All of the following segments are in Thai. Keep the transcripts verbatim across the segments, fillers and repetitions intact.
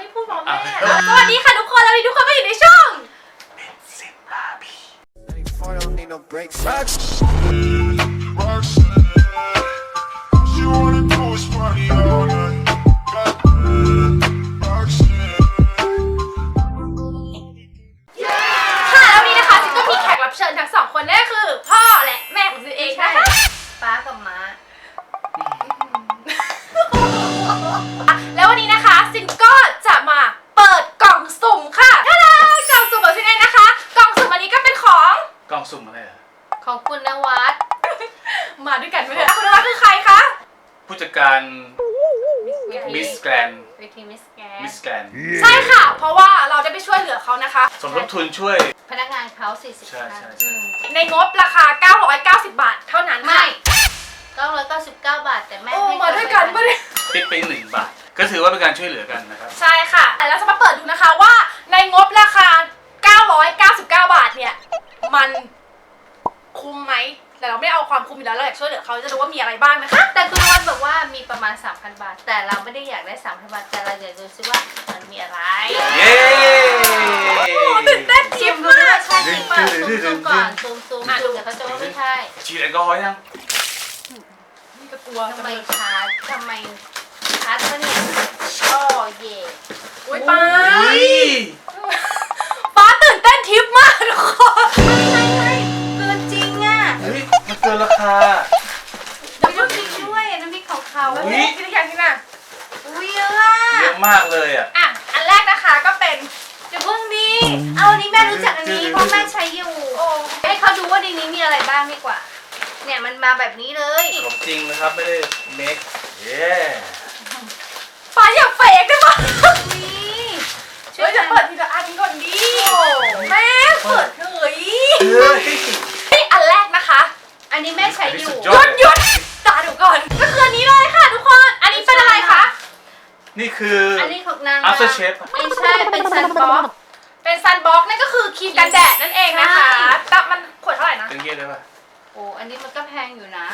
ไม่พูดพร้อมแม่สวัสดีค่ะทุกคนแล้วทุกคนก็อยู่ในช่องเป็นสิบบาร์บี้เชิญทั้งสองคนนั่นคือพ่อและแม่ของซินเองนะคะป้ากับม้าแล้ววันนี้นะคะซินก็จะมาเปิดกล่องสุ่มค่ะท่าดากล่องสุ่มของซินเองนะคะกล่องสุ่มอันนี้ก็เป็นของกล่องสุ่มอะไรอ่ะของคุณนวัดมาด้วยกันไหมคะคุณนวัดคือใครคะผู้จัดการมิสแกรนวิธีมิสแกรนมิสแกรนใช่ค่ะเพราะว่าเราจะไปช่วยเหลือเขานะคะสมทบทุนช่วยพนักงานเขาสี่สิบใช่ใช่ใช่ในงบราคาเก้าร้อยเก้าสิบบาทเท่านั้นไม่เก้าร้อยเก้าสิบเก้าบาทแต่แม่ให้มาด้วยกันไม่ได้ติดไปหนึ่งบาทก็ถือว่าเป็นการช่วยเหลือกันนะครับใช่ค่ะแล้วจะมาเปิดดูนะคะว่าในงบราคาเก้าร้อยเก้าสิบเก้าบาทเนี่ยมันคุ้มไหมแต่เราไม่เอาความคุ้มอยู่แล้วเราอยากช่วยเหลือเขาจะดูว่ามีอะไรบ้างนะคะแต่คุณนวัดบอกว่ามีประมาณ สามพัน บาทแต่เราไม่ได้อยากได้ สามพัน บาทแต่เราอยากดูซิว่ามันมีอะไรเย้ตื่นเต้นจิ๊บมากใช่จริงป่ะซูมก่อนซูมซูมดูเดี๋ยวเขาจะว่าไม่ใช่ฉีดแอลกอฮอล์ยังนี่ก็กลัวทำไมชาร์จทำไมชาร์จก็เนี่ยโอ้เย่อุ้ยป้าป้าตื่นเต้นทิปมากทุกคนไม่ไม่เกินจริงอ่ะเฮ้ยมันเกินราคาน้ำพริกด้วยน้ำพริกของเขาอุ้ยกินอย่างนี้น่ะอุ้ยเยอะเยอะมากเลยอ่ะอ่ะอันแรกนะคะก็เป็นเดี๋ยวเพิ่งดีเอาอันนี้แม่รู้จักอันนี้เพราะแม่ใช้อยู่ให้เขาดูว่าในนี้มีอะไรบ้างดีกว่าเนี่ยมันมาแบบนี้เลยของจริงนะครับไม่ได้เมคเย้ป้าอย่าเฟกได้ปะช่วยจะเปิดทีละอันก่อนดิแม่เปิดเฮ้ยนี่อันแรกนะคะอันนี้แม่ใช้อยู่หยุดหยุดตาดูก่อนก็คืออันนี้เลยค่ะทุกคนอันนี้เป็นอะไรคะนี่คืออันนี้ของนาง after shave ไม่ใช่เป็นซันบ็อกเป็นซันบ็อกนั่นก็คือครีมกันแดดนั่นเองนะคะแต่มันขวดเท่าไหร่นะเป็นเงี้ยได้ป่ะโอ้อันนี้มันก็แพงอยู่นะ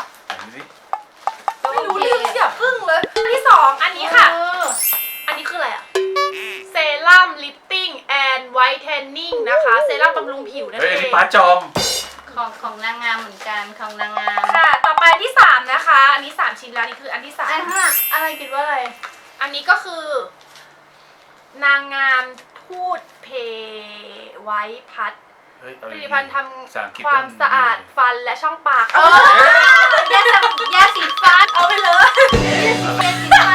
ไม่รู้เรื่องอย่าพึ่งเลยอันที่สองอันนี้ค่ะอันนี้คืออะไรอะเซรั่มลิฟติ้งแอนด์ไวท์เทนนิ่งนะคะเซรั่มบำรุงผิวนั่นเองเฮ้ยอันนี้ป้าจอมของของนางงามเหมือนกันของนางงามค่ะต่อไปที่สามนะคะอันนี้สามชิ้นแล้วนี่คืออันที่สามอันห้าอะไรคิดว่าอะไรอันนี้ก็คือนางงามพูดเพไว้พัดผลิตภัณฑ์ทำความสะอาดฟันและช่องปากเออยาสียาสีฟันเอาไปเลยยาสีฟัน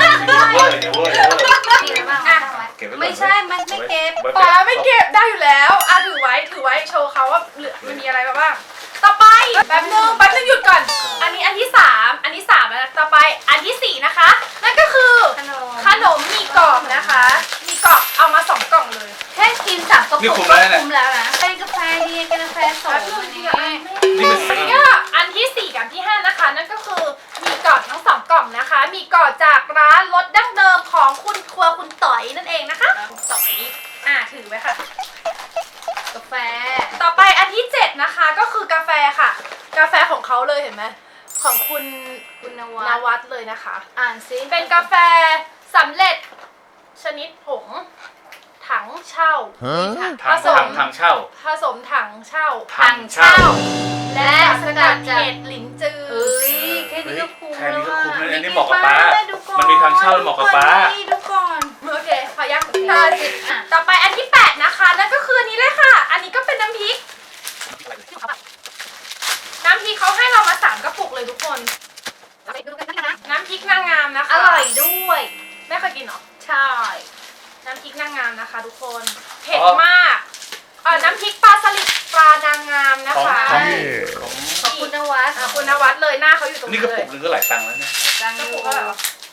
ไม่ใช่มันไม่เก็บป้าไม่เก็บได้อยู่แล้วอ่ะถือไว้ถือไว้โชว์เขาว่ามันมีอะไรบ้างต่อไปแป๊บนึงแป๊บนึงหยุดก่อนอันนี้อันที่สามอันที่สามแล้วต่อไปอันที่สี่นะคะนั่นก็คือขนมมีกรอบนะคะมีกรอบเอามาสองกล่องเลยแค่กินสามกระปุกก็คุ้มแล้วนะเป็นกาแฟดีกาแฟสดนี่อันที่สี่กับที่ห้านะคะนั่นก็คือมีกรอบทั้งสองกล่องนะคะมีกรอบจากร้านรสดั้งเดิมของคุณครัวคุณต่อยนั่นเองนะคะคุณต่อยอ่ะถือไว้ค่ะกาแฟต่อไปอันที่เจ็ดนะคะก็คือกาแฟค่ะกาแฟของเขาเลยเห็นไหมของคุณคุณนวัดเลยนะคะอ่านซิเป็นกาแฟสำเร็จชนิดผงถังเช่าผสมถังเช่าผสมถังเช่าถังเช่าและสกัดเห็ดหลินจือเอ้ยแค่นี้ก็คุ้มแล้วอ่ะอันนี้เหมาะกับป้ามันมีถังเช่าเหมาะกับป้าดูก่อนโอเคขอยักตาจิตต่อไปอันที่แปดนะคะนั่นก็คือนี้เลยค่ะอันนี้ก็เป็นน้ำพริกน้ำพริกเขาให้เรามาสามกระปุกเลยทุกคนน้ำพริกนางงามนะคะอร่อยด้วยแม่เคยกินเหรอใช่น้ำพริกนางงามนะคะทุกคนเผ็ดมากเออน้ำพริกปลาสลิดปลานางงามนะคะของคุณนวัดคุณนวัดเลยหน้าเขาอยู่ตรงนี้นี่กระปุกนึงก็หลายตังค์แล้วเนี่ยกระปุกก็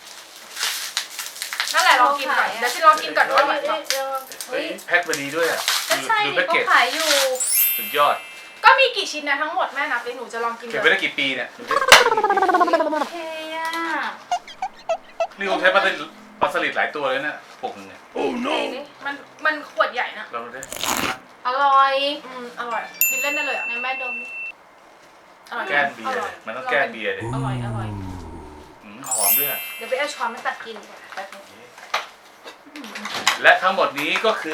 นั่นแหละลองกินก่อนเดี๋ยวฉันลองกินก่อนว่าอร่อยไหมเฮ้ยแพ็คมาดีด้วยอ่ะดูแพ็คเกจขายอยู่สุดยอดก็มีกี่ชิ้นนะทั้งหมดแม่นับเลยหนูจะลองกินเก็บไปได้กี่ปีเนี่ยโอเคอ่ะนี่คงใช้ปลาสลิดปลาสลิดหลายตัวเลยเนี่ยปกนึงเนี่ยโอ้โนมันมันขวดใหญ่นะลองดูดิอร่อยอืมอร่อยกินเล่นได้เลยอ่ะในแม่ดมแก้เบียร์มันต้องแก้เบียร์ดิอร่อยอร่อยหอมด้วยเดี๋ยวไปเอาช้อนมาตักกินและทั้งหมดนี้ก็คือ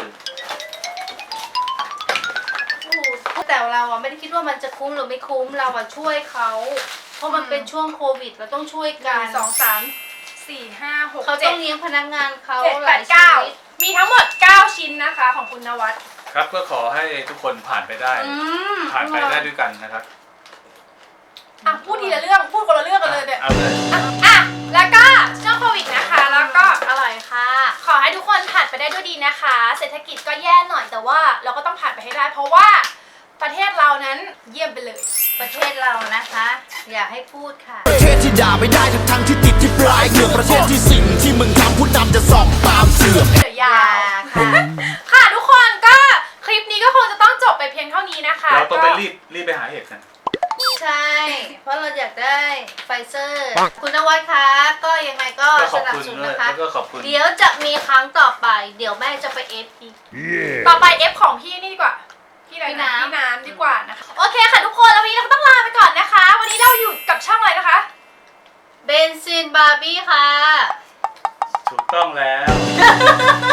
แต่เราอ่ะไม่ได้คิดว่ามันจะคุ้มหรือไม่คุ้มเราอ่ะช่วยเขาเพราะมันเป็นช่วงโควิดเราต้องช่วยหกันึ่นงสองสามสี่ห้าหกเขาเจ็ต้ดองเลี้ยงพนักงานเขาเจ็ดหแปลาดยชีเก้าวิตมีทั้งหมดเก้าชิ้นนะคะของคุณนวัดครับก็ขอให้ทุกคนผ่านไปได้อืมผ่านไปได้ด้วยกันนะครับอ่ะพูดทีละเรื่องพูดคนละเรื่องกันเลยเนี่ยเอาเลยอ่ะอ่ะแล้วก็ช่วงโควิดนะคะแล้วก็อร่อยค่ะขอให้ทุกคนผ่านไปได้ด้วยดีนะคะ เศรษฐกิจก็แย่หน่อยแต่ว่าเราก็ต้องผ่านไปให้ได้ เพราะว่าประเทศเรานั้นเยี่ยมไปเลยประเทศเรานะคะ อย่าให้พูดค่ะประเทศที่ด่าไม่ได้ทั้งทั้งที่ติดที่ปลายเหงือกประเทศที่สิ่งที่มึงทำผู้นำจะสอบตามเสื่อมเดี๋ยวยาวค่ะค่ะทุกคนก็คลิปนี้ก็คงจะต้องจบไปเพียงเท่านี้นะคะเราต้องไปก็รีบรีบไปหาเห็ดกันใช่ เพราะเราอยากได้ไฟเซอร์ คุณนวัดคะก็ยังไงก็ก็ขสอบนับคุณสนุนด้วยนะคะแล้วก็ขอบคุณเดี๋ยวจะมีครั้งต่อไป เดี๋ยวแม่จะไปเอฟอีกต่อไป F ของพี่นี่ดีกว่าพี่อะไรพี่นะน้ำพี่น้ำดีกว่านะคะโอเคค่ะทุกคนแล้ววันนี้เราก็ต้องลาไปก่อนนะคะ วันนี้เราอยู่กับช่องอะไรนะคะเบนซินบาร์บี้ค่ะถูกต้องแล้ว